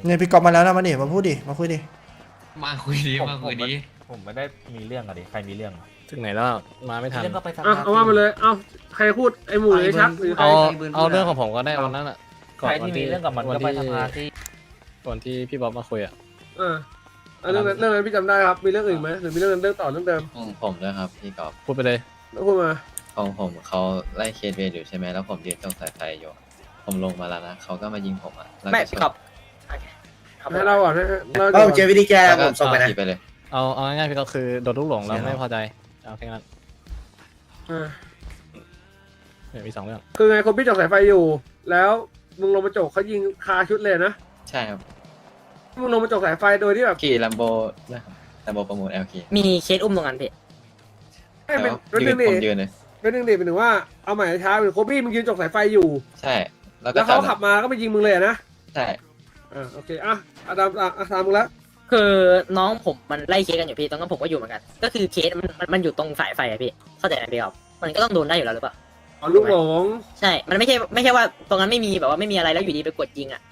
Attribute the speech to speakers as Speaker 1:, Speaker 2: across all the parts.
Speaker 1: เนี่ยพี่กอบมาแล้วนะมาดิมาพูดดิมาคุยดิ
Speaker 2: มาคุยดีมาคุยดี
Speaker 3: ผมไม่ได้มีเรื่องอะดิใครมีเรื่องอะ
Speaker 4: ถึงไหนแล้วมาไม่ทัน
Speaker 3: เรื่องก็ไปทำ
Speaker 5: เอาว่ามาเลยเอาใครพูดไอ้หมูหรือไอ้ชักหรือใคร
Speaker 4: เอาเรื่องของผมก็ได้วันนั้นอ่ะ
Speaker 3: ใครที่มีเรื่องกับมันก็ไปทำงานที่
Speaker 4: ก่อนที่พี่บ๊อบมาคุยอ่ะ
Speaker 5: เรื่องนั้นพี่จำได้ครับมีเรื่องอื่นไหมหรือมีเรื่องต่อเรื่องเดิม
Speaker 6: ของผมด้วยครับพี่กอบ
Speaker 4: พูดไปเลย
Speaker 5: แล้วพูดมา
Speaker 6: ของผมเขาไล่เคสเวรอยู่ใช่ไหมแล้วผมยืนตรงสายไฟอยู่ผมลงมาแล้วนะเขาก็มายิงผมอ่ะแล้ว
Speaker 7: ไม่
Speaker 6: ก็ช
Speaker 7: พี่
Speaker 6: น
Speaker 7: กอบ
Speaker 5: ให้เราก่อนให้เรา
Speaker 7: ผมเจอวิธีแก้แล้วผมส่งไปนะ
Speaker 6: ขี่ไปเลย
Speaker 4: เอาง่ายๆพี่ก็คือโดนลูกหลงแล้วไม่พอใจเอาแค่นั้นเนี่ยมี2เรื่อง
Speaker 5: คือไงคนพี่จกสายไฟอยู่ แล้วมึงลงมาจกเขายิงคาชุดเลยนะ
Speaker 6: ใช่ครับ
Speaker 5: มึงลงมาจกสายไฟโดยที่แบบ
Speaker 6: ขี่ลัมโบด้วยครับลัมโบประมูล LK
Speaker 7: มีเคสอุ้มตรงนั้นพี่
Speaker 5: ให้
Speaker 6: แต่
Speaker 5: เป็น
Speaker 6: ว่า
Speaker 5: เป็นหนึ่งดิ
Speaker 6: ผมยืนเลย
Speaker 5: เป็นหนึ่งดิเป็นถึงว่าเอาหมายช้าเป็นโคบี้มึงยืนจกสายไฟอยู่
Speaker 6: ใช่ แล้วก็
Speaker 5: แล้วเขาขับมาก็มายิงมึงเลยนะ
Speaker 6: ใช่
Speaker 5: โอเคอาดามตามมึงแล้ว
Speaker 7: คือน้องผมมันไล่เคสกันอยู่พี่ตอนนั้นผมก็อยู่เหมือนกัน ก็คือเคสมันอยู่ตรงสายไฟอะพี่เข้าใจไหมพี่ครับมันก็ต้องโดนได้อยู่แล้วหรือเปล่า
Speaker 5: ลูกหลง
Speaker 7: ใช่มันไม่ใช่ว่าตรงนั้นไม่มีแบบว่าไม่มีอะไรแล้วอยู่ดีไปกดยิงอ่ะ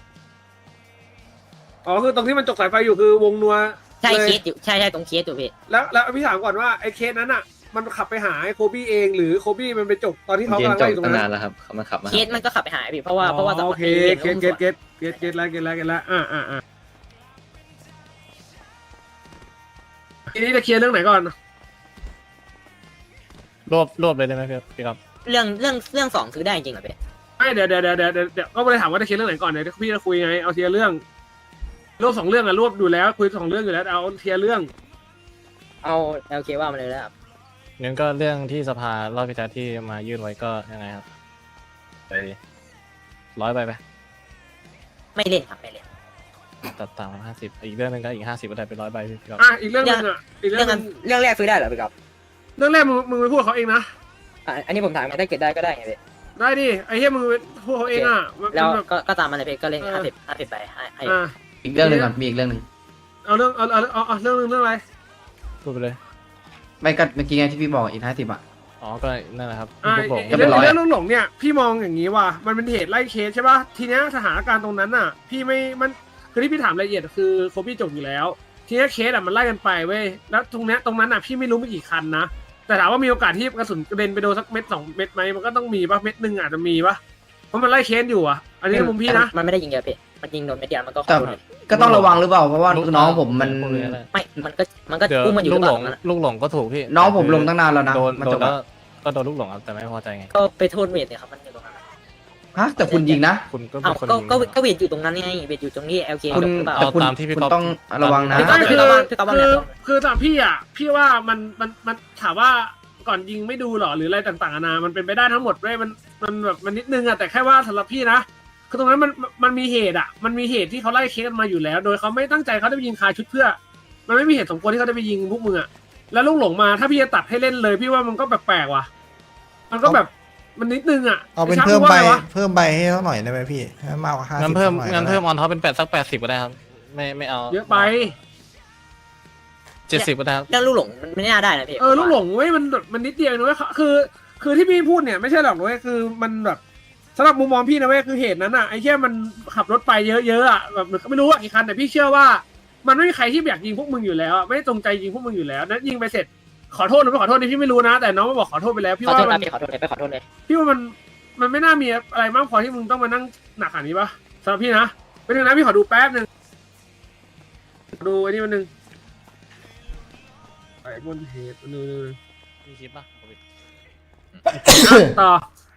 Speaker 5: คือตรงที่มันจกสายไฟอยู่คือวงนัว
Speaker 7: ใช่
Speaker 5: ลย
Speaker 7: เคสอยู่ใช่ตรงเคสอยู่พี่
Speaker 5: แล้วพี่ถามก่อนว่าไอ้เคสนั้นอ่ะมันขับไปหาไอ้โคบี้เองหรือโคบี้มันไปจกตอนที่เขา
Speaker 6: ยืน
Speaker 5: กำลัง
Speaker 6: จ
Speaker 5: ไล่
Speaker 6: อ
Speaker 5: อยู่ตร
Speaker 6: ตั้
Speaker 5: ง
Speaker 6: ง
Speaker 5: นั้
Speaker 6: นาน
Speaker 5: น
Speaker 6: แล้วครับเขามาขับมา
Speaker 7: เคสมันก็ขับไปหายพี่เพราะว่าตอน
Speaker 5: โอเค
Speaker 7: นี้
Speaker 5: เก็ตแล้วทีนี้จะเคลียร์เรื่องไหนก่อน
Speaker 4: รวบเลยได้ไหมพี่ครับ
Speaker 7: เรื่องสองคือได้จริงเหรอพี่
Speaker 5: ไม่เดี๋ยวก็ไม่ได้ถามว่าจะเคลียร์เรื่องไหนก่อนเดี๋ยวพี่จะคุยไงเอาเคลียร์เรื่องรวบ2เรื่องอะรวบอยู่แล้วคุย2เรื่องอยู่แล้วเอาเคลียร์เรื่อง
Speaker 7: เอาโอเคว่ามาเลยแล้วครับ
Speaker 4: งั้นก็เรื่องที่สภารอบพิจารที่มายื่นไว้ก็ยังไงครับไป100ไป
Speaker 7: ไม่เล่นครับไม่เล่น
Speaker 4: ตัดต่าง50อีกเรื่องนึงก็อีก50ก็ได้เป็น100ใบพี่ครับ
Speaker 5: อีกเรื่องนึงอ่ะอีกเรื่
Speaker 7: เรื่
Speaker 5: อ
Speaker 7: อง ง
Speaker 5: นึ
Speaker 7: นั้น
Speaker 5: ง
Speaker 7: เรื่องแรกซื้อได้เหรอพี่กอบ
Speaker 5: เรื่องแรกมึงไปพูดกับเขาเองนะ
Speaker 7: อันนี้ผมถามถ้าเกิดได้ก็ได้ไงพี่
Speaker 5: ได้ดิไอ้เหี้ยมึงไปพูดเขาเองอ่ะ
Speaker 7: แล้ว
Speaker 5: แบบ
Speaker 7: ก็ตามมาเลยพี่ก็เล่น50ใบให้
Speaker 6: อีกเรื่องหนึ่งก่อนมีอีกเรื่องหนึ่ง
Speaker 5: เอาเรื่องเอาเรื่องนึงเรื่องอะไร
Speaker 4: พูดไปเลย
Speaker 6: ไม่ก็เมื่อกี้ไงที่พี่บอกอีก50อ่ะ
Speaker 4: อ๋อก็นั่นแหละครับ
Speaker 5: อ่า
Speaker 4: ลูกหลง
Speaker 6: ก็เป็นร้อย
Speaker 5: เรื่องลูกหลงเนี่ยพี่มองอย่างนี้ว่ามันเป็นเหตุไล่เคสใช่ป่ะทีเนี้ยสถานการณ์ตรงนั้นน่ะ พี่ไม่มันคือที่พี่ถามรายละเอียดคือโคบี้จบอยู่แล้ว ทีเนี้ยเคสอ่ะมันไล่กันไปเว้ยแล้วตรงนั้นน่ะพี่ไม่รู้มีกี่คันนะแต่ถามว่ามีโอกาสที่กระสุนกระเด็นไปโดนสักเม็ด2 เม็ดไหมมันก็ต้องมีป่ะเม็ดหนึ่งอาจจะมีป่ะเพราะมันไล่เคสอยู่อ่ะอันนี้ในมุมพี่นะ
Speaker 7: มันไม่ได้ยิงเยอะพี่มันยิงโดนเม็ดเดียวมันก็
Speaker 6: แต่ ก็ต้องระวังหรือเปล่าเพราะว่าน้องผมมัน
Speaker 4: พูดเลยก็ได้
Speaker 7: ไม่มันก็
Speaker 4: เดี๋ยว
Speaker 7: อุ้มมันอยู่
Speaker 4: ลู
Speaker 7: หรื
Speaker 4: ก
Speaker 7: อ
Speaker 4: ห
Speaker 7: เป
Speaker 4: ล
Speaker 7: ล่าง
Speaker 4: ลูกหลงก็ถูกพี่
Speaker 6: น้องผมลงตั้งนานแล้วนะ
Speaker 4: โดน
Speaker 6: มัน
Speaker 4: โด
Speaker 6: จ
Speaker 4: น
Speaker 6: บ
Speaker 4: แล้ว
Speaker 6: อะ
Speaker 4: ก็โดนลูกหลงครับแต่ไม่พอใจไง
Speaker 7: ก็ไปโทษเวทเนี่ยครับมันอยู่ตรงนั้น
Speaker 6: ฮะแต่คุณยิงนะ
Speaker 4: คุณก็
Speaker 7: อ้า
Speaker 4: เป็
Speaker 7: วน
Speaker 4: คนยิง
Speaker 7: ก็เวทอยู่ตรงนั้นไงเวทอยู่ตรงนี้ LK
Speaker 6: คุณ
Speaker 7: หรือเปล่า
Speaker 6: แต่คุณ
Speaker 4: ตามที่พี่
Speaker 6: คุณ
Speaker 4: ก๊อฟ
Speaker 6: ต้องระวังนะ
Speaker 7: พี่ก๊อฟ
Speaker 5: คือสำหรับพี่อ่ะพี่ว่ามันถามว่าก่อนยิงไม่ดูหรอหรืออะไรต่างๆนานามันเป็นไปได้ทั้งหมดเว้ยมันแบบมันนิดนึงอ่ะแต่แค่ว่าสำหรับพี่นะคือตรงนั้นมันมีเหตุอ่ะมันมีเหตุที่เขาไล่เคสกันมาอยู่แล้ว โดยเขาไม่ตั้งใจเขาจะไปยิงคาชุดเพื่อ มันไม่มีเหตุสมควรที่เขาจะไปยิงพวกมึงอ่ะแล้วลูกหลงมาถ้าพี่จะตัดให้เล่นเลย พี่ว่ามันก็แปลกๆว่ะมันก็แบบมันนิดนึงอ่ะ
Speaker 1: เอาเป็น
Speaker 5: ไชัก
Speaker 1: เพิ่ม
Speaker 5: รู้ว่า
Speaker 1: ใบ
Speaker 5: ไงวะ
Speaker 1: เพิ่มใบให้เขาหน่อยได้ไหมพี่ให้มากกว่า50
Speaker 4: งั้นเพิ่ม
Speaker 1: หน่อย
Speaker 4: งั้น
Speaker 1: ก็ได้
Speaker 4: เพิ่มออนท็อปเป็นสัก80ก็ได้ครับไม่เอา
Speaker 5: เยอะไป
Speaker 4: 70ก็ได้ครับ
Speaker 7: เรื่องลูกหลงมันไม่น่าได้นะพี่
Speaker 5: ลูกหลงเว้ยมันนิดเดียวนะเว้ยคือที่พี่พูดเนี่ยไม่ใช่หรอกเว้ยคือมันแบบสำหรับมุมมองพี่นะเว้ยคือเหตุนั้นอ่ะไอ้แค่มันขับรถไปเยอะๆอ่ะแบบไม่รู้ว่ากี่คันแต่พี่เชื่อว่า มันไม่มีใครที่อยากยิงพวกมึงอยู่แล้วอะไม่ได้จงใจยิงพวกมึงอยู่แล้วนั้นยิงไปเสร็จขอโทษหรือไม่ขอโทษนี่พี่ไม่รู้นะ แต่น้องมาบอกขอโทษไปแล้วพี่
Speaker 7: ขอ
Speaker 5: ว่า
Speaker 7: โทษ
Speaker 5: มั
Speaker 7: นะ
Speaker 5: น
Speaker 7: พี่ขอโทษเลยไปขอโทษเลย
Speaker 5: พี่ว่ามันไม่น่ามีอะไรมากพอที่มึงต้องมานั่งหนักขนาดนี้ปะสำหรับพี่นะเป็นหนึ่งนะพี่ขอดูแป๊บหนึ่งดูอันนี้มันหนึ่งไอ้บนเหตุมันหนึ่ง
Speaker 4: มีคลิปป่ะ
Speaker 5: ต่อ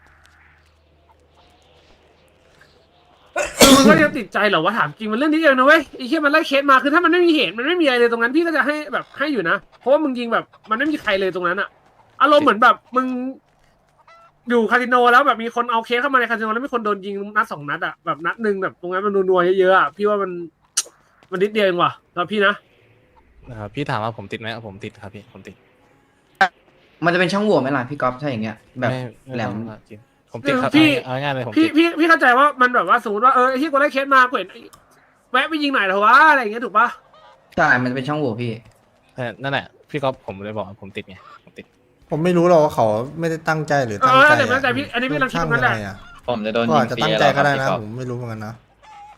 Speaker 5: มึงก็ยังติดใจเหรอวะถามจริงมันเรื่องนี้เองนะเว้ยไอ้เหี้ยมันไล่เคสมาคือถ้ามันไม่มีเหตุมันไม่มีอะไรเลยตรงนั้นพี่ก็จะให้แบบให้อยู่นะเพราะว่ามึงยิงแบบมันไม่มีใครเลยตรงนั้นอะอารมณ์เหมือนแบบมึงอยู่คาสิโนแล้วแบบมีคนเอาเคสเข้ามาในคาสิโนแล้วมีคนโดนยิงนัด2 นัดอะแบบนัดหนึ่งแบบตรงนั้นมันนัวๆเยอะๆอะพี่ว่ามันนิดเดียวเองว่ะสำหรับพี่นะ
Speaker 4: นะครับพี่ถามว่าผมติดไหมผมติดครับพี่ผมติด
Speaker 6: มันจะเป็นช่องโหว่ไหมล่ะพี่ก๊อฟถ้าอย่างเงี้ยแบบ
Speaker 4: ไม่
Speaker 6: แหลม
Speaker 4: ต้องครับจริงผมติดครับ
Speaker 5: พี่
Speaker 4: เอาง่ายๆเลยผม
Speaker 5: พี่
Speaker 4: ติด
Speaker 5: พี่เข้าใจว่ามันแบบว่าสมมติว่าไอ้ที่กูไล่เคสมากูเห็นแวะไปยิงหน่อยเถอะวะอะไรอย่างเงี้ยถูกปะ
Speaker 6: ใช่ มันจะเป็นช่องโหว่พี่
Speaker 4: แต่นั่นแหละพี่ก๊อฟผมเลยบอกว่าผมติดไงผมติด
Speaker 1: ผมไม่รู้หรอกว่าเขาไม่ได้ตั้งใจหรือตั้งใจ
Speaker 5: แต่พี่อันนี้พี่กำลังคิดตรงนั้นแหละ
Speaker 6: ผมจะโดน
Speaker 1: ก็
Speaker 6: ยิ
Speaker 1: อาจ
Speaker 6: ง
Speaker 1: จะ
Speaker 6: ฟรี
Speaker 1: ตั้งใจ
Speaker 6: แล้วค
Speaker 1: ก็
Speaker 6: รับ
Speaker 1: ได้
Speaker 6: พี่
Speaker 1: นะ
Speaker 6: ก๊อฟ
Speaker 1: ผมไม่รู้เหมือนกันนะ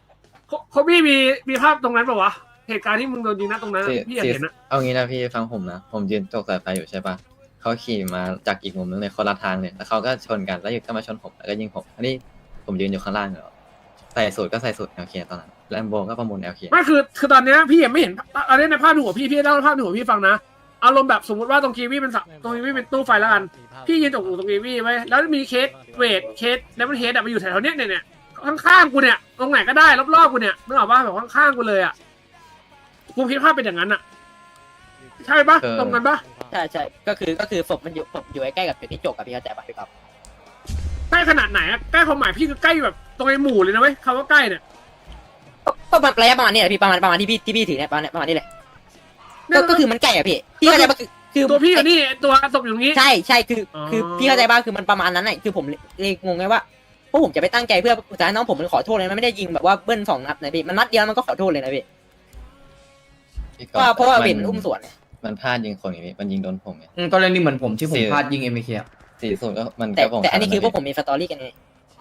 Speaker 5: โคบี้มีภาพตรงนั้นปะวะเหตุการณ์ที่มึงโดนยิงนะตรงนั้นอะพี่อยากเห็นอะ
Speaker 6: เอางี้นะพี่ฟังผมนะผมยืนตกสายไฟอยู่ใช่ปะเขาขี่มาจากอีกมุมนึงเลยคนละทางเลยแล้วเขาก็ชนกันแล้วอยู่ก็มาชนผมแล้วก็ยิงผมอันนี้ผมยืนอยู่ข้างล่างอยู่ใส่สูตรก็ใส่สูตร LK ตอนนั้นแลมโบก็ประมูล LK
Speaker 5: ไม่คือตอนเนี้ยพี่ยังไม่เห็นอันนี้ในภาพในหัวพี่เล่าภาพในหัวพี่ฟังนะอารมณ์แบบสมมติว่าตรงกีวีเป็นตรงกีวีเป็นตู้ไฟแล้วกันพี่ยืนตรงกีวีไว้แล้วมีเคสเวทเคสแล้วมันเฮดมาอยู่แถวๆเนี้ยเนี่ยข้างๆกูเนี่ยตรงไหนก็ได้รอบๆกูเนี่ยนึกออกป่ะแบบข้างๆกูเลยอ่ะกูคิดภาพเป็นอย่างนั้นอ่ะใช่ปะตรงกันปะ
Speaker 7: ใช่ก็คือศพมันอยู่ใกล้ๆกับจุดที่จกกับพี่เข้าใจป่ะพี่ก๊อฟ
Speaker 5: ใกล้ขนาดไหนอะใกล้ความหมายพี่คือใกล้แบบตรงไอ้หมู่เลยนะเว้ยคำว่าใกล้เนี่ย
Speaker 7: ก็ระยะประมาณนี้แหละพี่ประมาณที่พี่ถือเนี่ยประมาณนี้เลยก็คือมันใกล้อะพี่เข้าใจป่ะคือ
Speaker 5: ตัวพี่อยู่นี่ตัวศพอยู่นี้
Speaker 7: ใช่คือพี่เข้าใจป่ะคือมันประมาณนั้นแหละคือผมเลยงงไงว่าพวกผมจะไปตั้งใจเพื่อจะให้น้องผมมันขอโทษเลยมันไม่ได้ยิงแบบว่าเบิ้ล2 นัดนะพี่มันนัดเดียวมันก็ขอโทษเลยนะพี่
Speaker 6: พี่ก๊อฟ
Speaker 7: เพราะว่าเป็นอุ้มสวนเนี่ย
Speaker 6: มันพลาดยิงคนอย่างนี้มันยิงโดนผมไง
Speaker 8: กรณีเหมือนผมที่ผมพลาดยิง MK อ่ะ
Speaker 6: สี่สูตรก็มัน
Speaker 7: แต่
Speaker 6: ก็ผม
Speaker 7: อันนี้คือพวกผมมีสตอรี่กันไง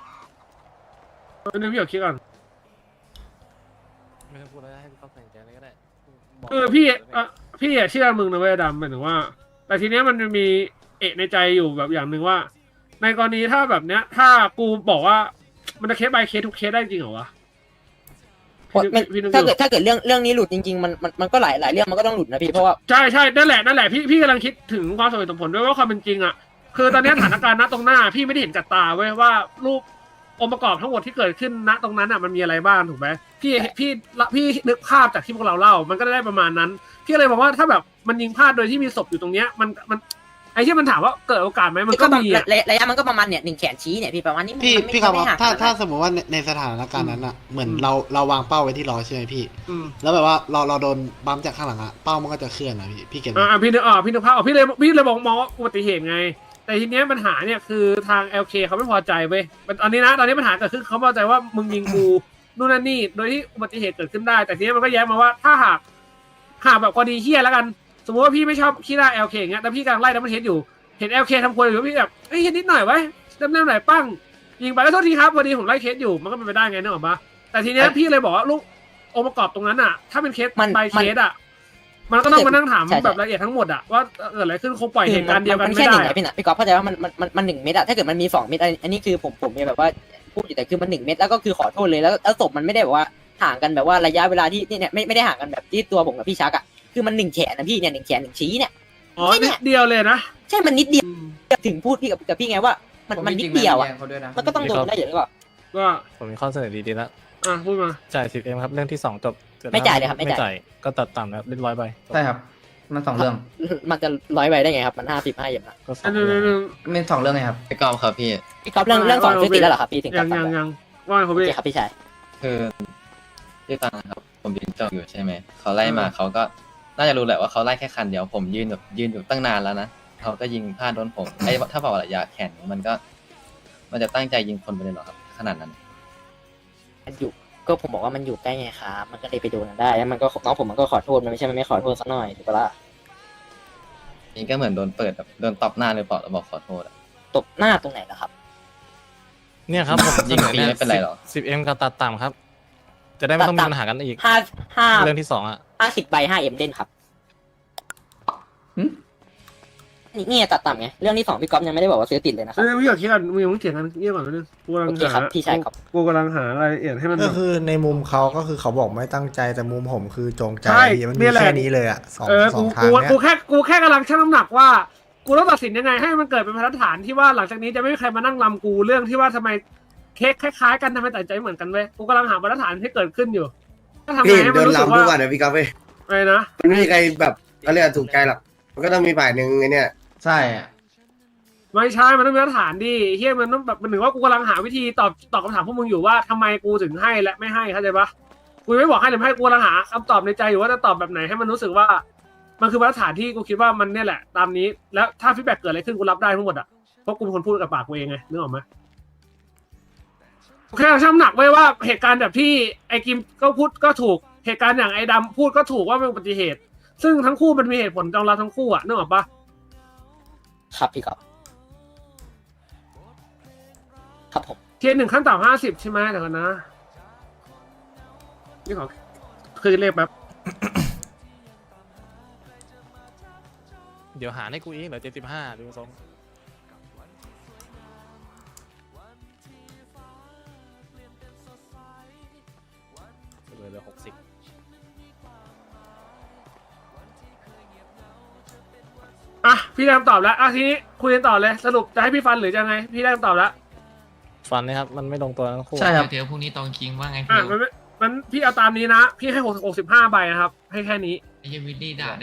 Speaker 5: นึกพี่อยากคิดก่อน
Speaker 4: ไม่ต้องพูดแล้วให้พี่ก๊อฟใส่ใจเลยก็ได้
Speaker 5: พี่เชื่อมึงนะเว้ยดำหมายถึงว่า แต่ทีเนี้ยมันมีในใจอยู่แบบอย่างหนึ่งว่า ในกรณีถ้าแบบเนี้ย ถ้ากูบอกว่ามันจะเคส by เคสทุกเคสได้จริงเหรอวะพี่นึก
Speaker 7: ถ้า
Speaker 5: อยู่
Speaker 7: เกิดเรื่องนี้หลุดจริงๆมันก็หลายเรื่องมันก็ต้องหลุดนะพี่เพราะว่า
Speaker 5: ใช่นั่นแหละพี่กำลังคิดถึงความสมเหตุสมผลด้วยว่าความเป็นจริงอ่ะคือตอนนี้สถานการณ์ณตรงหน้าพี่ไม่ได้เห็นกับตาเว้ยว่ารูปองค์ประกอบทั้งหมดที่เกิดขึ้นณตรงนั้นอ่ะมันมีอะไรบ้างถูกไหมพี่นึกภาพจากที่พวกเราเล่ามันก็ได้ประมาณนั้นพี่เลยบอกว่าถ้าแบบมันยิงพลาดโดยที่มีศพอยู่ตรงเนี้ยมันไอ้ที่มันถามว่าเกิดโอกาสไหมมันก็มีอ่ะ
Speaker 7: ระยะมันก็ประมาณเนี่ย1 แขนชี้เนี่ยพี่ประมาณนี้
Speaker 9: พี่ครับ
Speaker 7: ไม่ห่าง
Speaker 9: ถ้า
Speaker 7: กันนะ
Speaker 9: สมมติว่าในสถานการณ์นั้นอ่ะเหมือนเราวางเป้าไว้ที่ล้อใช่ไหมพี่
Speaker 5: อืม
Speaker 9: แล้วแบบว่าเราโดนบัมจากข้างหลังอ่ะเป้ามันก็จะเคลื่อนนะพี่เก็ตไหม
Speaker 5: พี่นึกภาพออกพี่เลยมองว่าอุบัติเหตุไง แต่ทีเนี้ยปัญหาเนี่ยคือทาง LK เขาไม่พอใจเว้ยตอนนี้ปัญหาเกิดขึ้นเขาพอใจว่ามึงยิงกูนู่นนั่นนี่โดยที่อุบัติเหตุเกิดขึ้นได้ แต่ทีนี้มันก็แย้งมาว่าถ้าหากแบบกรณีเฮี้ยแล้วกัน สมมติว่าพี่ไม่ชอบขี้หน้า LK อย่างเงี้ยแต่พี่กำลังไล่ดับเบิลเฮดอยู่เห็น LK ทำครัวอยู่พี่แบบเฮ้ยนิดหน่อยไว้เริ่มหน่อยปั้งยิงไปแล้วโทษทีครับพอดีผมไล่เคสอยู่มันก็เป็นไปได้ไงนึกออกปะแต่ทีเนี้ยพี่เลยบอกว่าลูกองค์ประกอบตรงนั้นอ่ะถ้าเป็นเคส by เคสอ่ะมันก็ต้องมานั่งถามแบบละเอียดทั้งหมดอะว่าเกิดอะไรขึ้นคงปล่อยเหตุการณ์เดียวกัน
Speaker 7: มัน
Speaker 5: ไม่
Speaker 7: แค่ห
Speaker 5: ได้
Speaker 7: นึ่งไงพี่นะพี่ก๊อฟเข้าใจว่ามัน1 เม็ดอะถ้าเกิดมันมี2 เม็ดอันนี้คือผมมีแบบว่าพูดอยู่แต่คือมัน1 เม็ดแล้วก็คือขอโทษเลยแล้วศพมันไม่ได้แบบว่าห่างกันแบบว่าระยะเวลาที่เนี่ยไม่ได้ห่างกันแบบที่ตัวผมกับพี่ชักอะคือมัน1 แขนนะพี่เนี่ย1 แขน 1 ชี้เนี่ย
Speaker 5: อ๋อนิดเดียวเลยนะ
Speaker 7: ใช่มันนิดเดียวถึงพูดพี่กับพี่ไงว่ามันนิดเดียวอะมันก็ต้องโดนได้อยู่แล้วก็
Speaker 5: ก็
Speaker 4: ผมมีข้อเสนอดีๆแล้ว
Speaker 5: พูดมา
Speaker 4: จ่าย 10M ครับเรื่องที่2จบ
Speaker 7: ไม่จ่ายเลยครับไม่จ่าย
Speaker 4: ไม่จ่ายก็ตัดต่ำแล้วเรียบร้อยไป
Speaker 8: ใช่ครับ มัน2 เรื่อง
Speaker 7: มันจะ100 ใบได้ไงครับมัน55อย่างนะ
Speaker 4: ก็ส
Speaker 5: อั
Speaker 4: อน ง
Speaker 5: นึ
Speaker 4: เรื่อง
Speaker 5: ง
Speaker 8: เป็น2 เรื่องไงครับ
Speaker 6: พี่กอล์ฟครับพี่
Speaker 7: พี่ก๊อฟเรื่อง2ซื้อติดแล้วเหรอครับพี่ถึง
Speaker 5: ยั
Speaker 7: จะ
Speaker 5: ง
Speaker 7: ตัด
Speaker 5: ยังว่าไงครับ
Speaker 7: โอ
Speaker 5: พี่
Speaker 7: เคครับพี่ชาย
Speaker 6: คือพี่ฟังนะครับผมยืนจ้องอยู่ใช่ไหมเขาไล่มาเขาก็น่าจะรู้แหละว่าเขาไล่แค่คันเดียวผมยืนอยู่ตั้งนานแล้วนะเขาก็ยิงพลาดโดนผมถ้าบอกระยะแขนมันจะตั้งใจยิงคนไปเลยเหรอครับขนาดนั้น
Speaker 7: มันอยู่ก็ผมบอกว่ามันอยู่ใกล้ไงครับมันก็เลยไปโดนได้แล้วมันก็น้องผมมันก็ขอโทษมันไม่ใช่มันไม่ขอโทษสักหน่อยถูกปะล่ะ
Speaker 6: นี่ก็เหมือนโดนเปิดแบบโดนตบหน้าเลยเปล่าแล้วบอกขอโทษอะ
Speaker 7: ตบหน้าตรงไหนล่ะครับ
Speaker 4: เนี่ยครับผม
Speaker 6: ยิงฟรีไม่เป็นไรหรอ
Speaker 4: 10M กับตัดต่ำครับ จะได้ไม่ต้องมีปัญหากันอีก เรื่องที่2อ่ะ
Speaker 7: 50 ใบ 5M เด่นครับ
Speaker 8: หึ
Speaker 7: นี่ตัดต่ำไงเรื่องที่2พี่ก๊อฟยังไม่ได้บอกว่าซื้อติดเลยนะครับ
Speaker 5: พี่อยากคิดกันมึงยังไม่เถียงกันเยี่ยก่อนนิดนึงกูกำลัง
Speaker 7: โอเคครับพี่ชายครับ
Speaker 5: กูกำลังหารายละเอียดให้มัน
Speaker 1: ก็คือในมุมเขาก็คือเขาบอกไม่ตั้งใจแต่มุมผมคือจงใจ
Speaker 5: ใช่
Speaker 1: พี่มัน
Speaker 5: นี่
Speaker 1: มี
Speaker 5: แหละ
Speaker 1: แค่นี้เลยอ่ะสอง
Speaker 5: กู
Speaker 1: ทางเนี้ย
Speaker 5: กูแค่กำลังชั่งน้ำหนักว่ากูต้องตัดสินยังไงให้มันเกิดเป็นมาตรฐานที่ว่าหลังจากนี้จะไม่มีใครมานั่งลำกูเรื่องที่ว่าทำไมเค้กคล้ายๆกันทำไมตัดใจเหมือนกันเว้ยกูกำลังหามาตรฐานที่เกิดขึ้นอยู่ก็ทำไง
Speaker 10: พี่
Speaker 5: ให้
Speaker 10: โด
Speaker 5: มัน
Speaker 10: น
Speaker 5: รู้สึก
Speaker 10: ลำทุ
Speaker 5: ว่าก
Speaker 10: วันนะพี่ก๊อฟเว้ย
Speaker 5: อะไรนะ
Speaker 10: มันไม่มีใครแบบเขาเรียกว่าถูกใจหรอกมันก็ต้องมีฝ่ายหนึ่งไอ้เนี่ย
Speaker 8: ใช่อะ
Speaker 5: ไม่ใช่มันต้องมีมาตรฐานดิเฮียมันต้องแบบมันถึงว่ากูกำลังหาวิธีตอบคำถามพวกมึงอยู่ว่าทำไมกูถึงให้และไม่ให้เข้าใจปะกูไม่บอกให้หรือไม่ให้กูกำลังหาคำตอบในใจอยู่ว่าจะตอบแบบไหนให้มันรู้สึกว่า มันคือมาตรฐานที่กูคิดว่ามันเนี่ยแหละตามนี้ แล้วถ้าฟีดแบ็กเกิดอะไรขึ้นกูรับได้ทั้งหมดอ่ะเพราะกูเป็นคนพูดกับปากกูเองไงนึกออกไหมแค่ชั่งน้ำหนักไว้ว่าเหตุการณ์แบบที่ไอ้กิมก็พูดก็ถูกเหตุการณ์อย่างไอ้ดำพูดก็ถูกว่าเป็นอุบัติเหตุ ซึ่งทั้งคู่มันมีเหตุผลรองรับทั้งคู่อ่ะนึกออกปะ
Speaker 7: ครับพี่ก๊อฟครับผม
Speaker 5: เทียร์1ขั้นต่ำ50ใช่ไหมเดี๋ยวกันนะพี่ขอคือเลขแป๊บ
Speaker 4: เดี๋ยวหารให้กูอีกเหลือ75ดูทรงเหลือ60
Speaker 5: อ่ะพี่ได้คำตอบแล้วอ่ะทีนี้คุยกันต่อเลยสรุปจะให้พี่ฟันหรือจะไงพี่ได้คำตอบแล้ว
Speaker 4: ฟันนะครับมันไม่ลงตัวทั้งคู่
Speaker 8: ใช่ครับ
Speaker 2: เดี๋ยวพรุ่งนี้ตองคิงว่าไง
Speaker 5: อ่ะ
Speaker 2: พี่
Speaker 5: มันพี่เอาตามนี้นะพี่ให้65ใบนะครับให้แค่นี้
Speaker 2: ไอ้เหี้ยวิลลี่ด่าแน่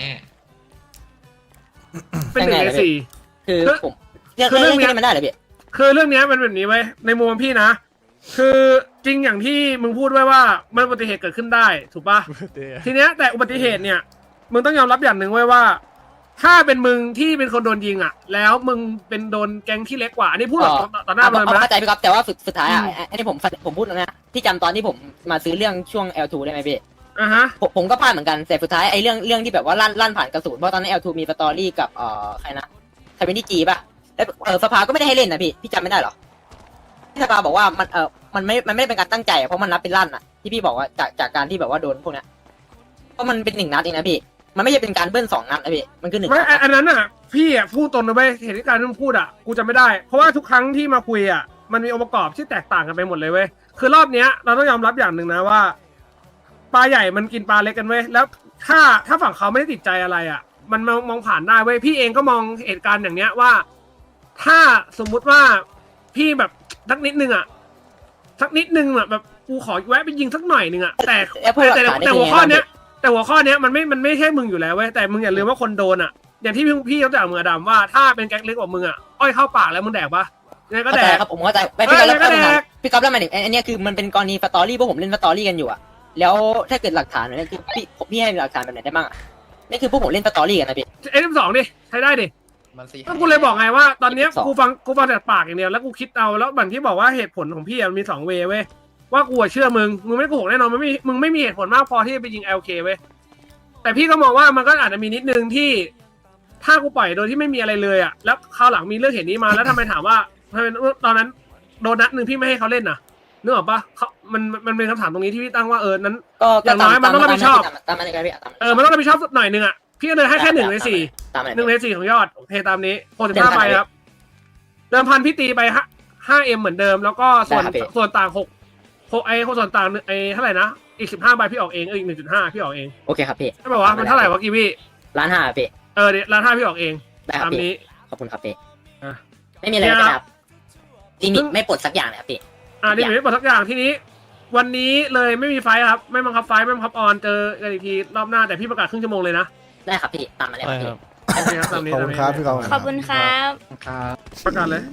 Speaker 5: เป็นหนึ่งในสี่
Speaker 7: คือ
Speaker 5: คือ
Speaker 7: ผมเรื่อง
Speaker 5: คือเรื่องเนี้ย
Speaker 7: นี้มันได้เหรอพี่
Speaker 5: คือเรื่องเนี้ยมันแบบนี้ไว้ยในมุมพี่นะ คือจริงอย่างที่มึงพูดไว้ว่ามันอุบัติเหตุเกิดขึ้นได้ถูกปะ ทีเนี้ยแต่อุบัติเหตุเนี่ยมึงต้องยอมรับอย่างหนึ่งไว้ว่า ถ้าเป็นมึงที่เป็นคนโดนยิงอ่ะ แล้วมึงเป็นโดนแก๊งที่เล็กกว่าอันนี้พูดแบบต่อหน้ามัน
Speaker 7: เอา
Speaker 5: นะ
Speaker 7: เข้าใจพี่ครับแต่ว่าสุดท้ายอ่ะอันนี้ผมพูดนะพี่จำตอนที่ผมมาซื้อเรื่องช่วง L2 ได้ไหมพี่
Speaker 5: อ่ะฮะ
Speaker 7: ผมก็พลาดเหมือนกันแต่สุดท้ายไอ้เรื่องที่แบบว่าลั่นผ่านกระสุนเพราะตอนนั้น L2 มีสตอรี่กับใครนะใครเป็นที่จีป่ะแล้วสภาก็ไม่ได้ให้เล่นนะพี่จำไม่ได้หรอที่สภาบอกว่ามันไม่ได้เป็นการตั้งใจเพราะมันนับเป็นลั่นอ่ะที่พี่บอกว่าจากการที่แบบว่าโดนพวกเนี้ยเพราะมันเป็น1 นัดเองนะพี่มันไม่ใช่เป็นการเบิ้ล2 นัดนะพี่มันคือ1
Speaker 5: ไม่
Speaker 7: นัด
Speaker 5: อันนั้นอ่ะพี่อ่ะพูดตรงนะเว้ยเหตุการณ์ที่มึงพูดอ่ะกูจำไม่ได้เพราะว่าทุกครั้งที่มาคุยอ่ะมันมีองค์ประกอบที่แตกต่างกันไปหมดเลยเว้ยคือรอบเนี้ยเราต้องยอมรับอย่างหนึ่งนะว่าปลาใหญ่มันกินปลาเล็กกันเว้ยแล้วถ้าฝั่งเขาไม่ได้ติดใจอะไรอ่ะ มันมองผ่านได้เว้ยพี่เองก็มองเหตุการณ์อย่างเนี้ยว่า ถ้าสมมุติว่าพี่แบบสักนิดนึงอ่ะสักนิดนึงอ่ะแบบกูขอแวะไปยิงสักหน่อยนึงอ่ะแต่หัวข้อเนี้ยมันไม่ใช่มึงอยู่แล้วเว้ยแต่มึงอย่าลืมว่าคนโดนอ่ะอย่างที่พี่ยกตัวอย่างมึงอะดำว่าถ้าเป็นแก๊งเล็กกว่ามึงอ่ะอ้อยเข้าปากแล้วมึงแดกปะยังไงก็แดก
Speaker 7: ครับผมเข้าใจพี่ก๊อฟแล้วหมายถึงอันนี้คือมันเป็นกรณีสตอรี่พวกผมเล่นสตอรี่กันอยู่อ่ะแล้วถ้าเกิดหลักฐานเนี่ยคือพี่ให้หลักฐานแบบไหนได้บ้างอ่ะนี่คือพวกผมเล่นสตอรี่กันนะพี่
Speaker 5: F2 ดิใช้ได้ดิ
Speaker 6: มันสิ
Speaker 5: ก็กูเลยบอกไงว่าตอนเนี้ย
Speaker 7: F2
Speaker 5: กูฟังแต่ปากอย่างเดียวแล้วกูคิดเอาแล้วบันที่บอกว่าเหตุผลของพี่อะมันมี2 เวย์เว้ยว่ากูอะเชื่อมึงไม่โกหกแน่นอนมึงไม่มีเหตุผลมากพอที่จะไปยิง LK เว้ยแต่พี่ก็มองว่ามันก็อาจจะมีนิดนึงที่ถ้ากูปล่อยโดยที่ไม่มีอะไรเลยอ่ะแล้วคราวหลังมีเรื่องเหตุนี้มาแล้วทำไมถามว่าทำไมตอนนั้นโดนนัดนึงพี่ไม่ให้เขาเล่นน่ะนึกออกปะมันเป็นคำถามตรงนี้ที่พี่ตั้งว่านั้น
Speaker 7: ก็
Speaker 5: อย่างน้อยมันต้องรับผิดชอบ
Speaker 7: ตามนั้นเลยพี่ตาม
Speaker 5: มันต้องรับผิดชอบหน่อยนึงอ่ะพี่ก็เลยให้แค่1 ใน 4
Speaker 7: ตามนั้น
Speaker 5: 1 ใน 4ของยอดโอเคตามนี้65ใบครับเดิมพันพี่ตีไป5M เหมือนเดิมแล้วก็ส่วนต่างส่วนต่างเท่าไหร่นะอีก15ใบพี่ออกเองอีก 1.5 พี่ออกเอง
Speaker 7: โอเคครับพี่
Speaker 5: ไม่บอกว่ามันเท่าไหร่วะกีวี่
Speaker 7: 1,500,000พี่
Speaker 5: เดี๋ยว1,500,000พี่ออกเอง
Speaker 7: ได้ครับ
Speaker 5: ตาม
Speaker 7: พี่
Speaker 5: นี้
Speaker 7: ขอบคุณครับพี่
Speaker 5: อ่ะ
Speaker 7: ไม่มีอะไรแล้วครับลิมิตไม่ปลดสักอย่างเลยครับพี่
Speaker 5: นี่ไม่บอกสักอย่างที่นี้ วันนี้เลยไม่มีไฟท์ครับไม่บังคับไฟท์ไม่บังคับออนเจอกันอีกทีรอบหน้าแต่พี่ประกาศครึ่งชั่วโมงเลยนะ
Speaker 7: ได้ครับพี่ตามมาเลย
Speaker 4: ใช่
Speaker 7: พี่
Speaker 4: ครับ
Speaker 5: โอเคครับตามนี้
Speaker 1: ขอบคุณครับพี่กอง
Speaker 11: ขอบคุณครับ
Speaker 8: ครับ
Speaker 5: ประกาศเลย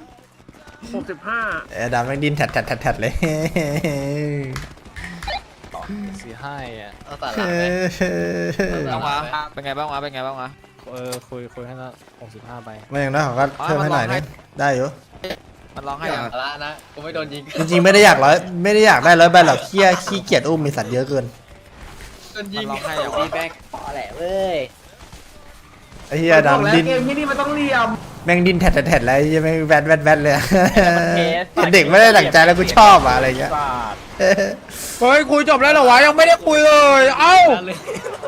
Speaker 5: 65
Speaker 1: ดำแม่งดินแถดเลย
Speaker 4: 45อ่ะ
Speaker 6: เอาสาระไหม
Speaker 3: บ้างวะเป็นไงบ้างวะเป็นไงบ้างวะ
Speaker 4: คุยให้ละ65ใบ
Speaker 1: ไม่อย่างนั้นเขาก็เพิ่มให้หน่อยนึงได้อยู่
Speaker 3: มันร้องให้
Speaker 6: อย่า
Speaker 3: อ่ะ
Speaker 6: สาระนะกูไม่โดนยิง
Speaker 1: จริงๆไม่ได้อยากได้100 ใบหรอกขี้เกียจอุ้มมีสัตว์เยอะเกิน
Speaker 6: โดนยิ
Speaker 3: มัน
Speaker 6: ง
Speaker 3: ร้องให้อ่ะ
Speaker 6: ตีแบ็ค
Speaker 7: พอแหละเว้ย
Speaker 1: ไอ้เหี้ยดำดิน
Speaker 5: เกมนี้มันต้องเรียม
Speaker 1: แม่งดินแถดแล้วยังไม่แวดเลยเด็กไม่ได้หลังใจแล้วกูชอบอะไรเงี้ย
Speaker 3: เฮ้ยคุยจบแล้วเหรอวะยังไม่ได้คุยเลยเอ้า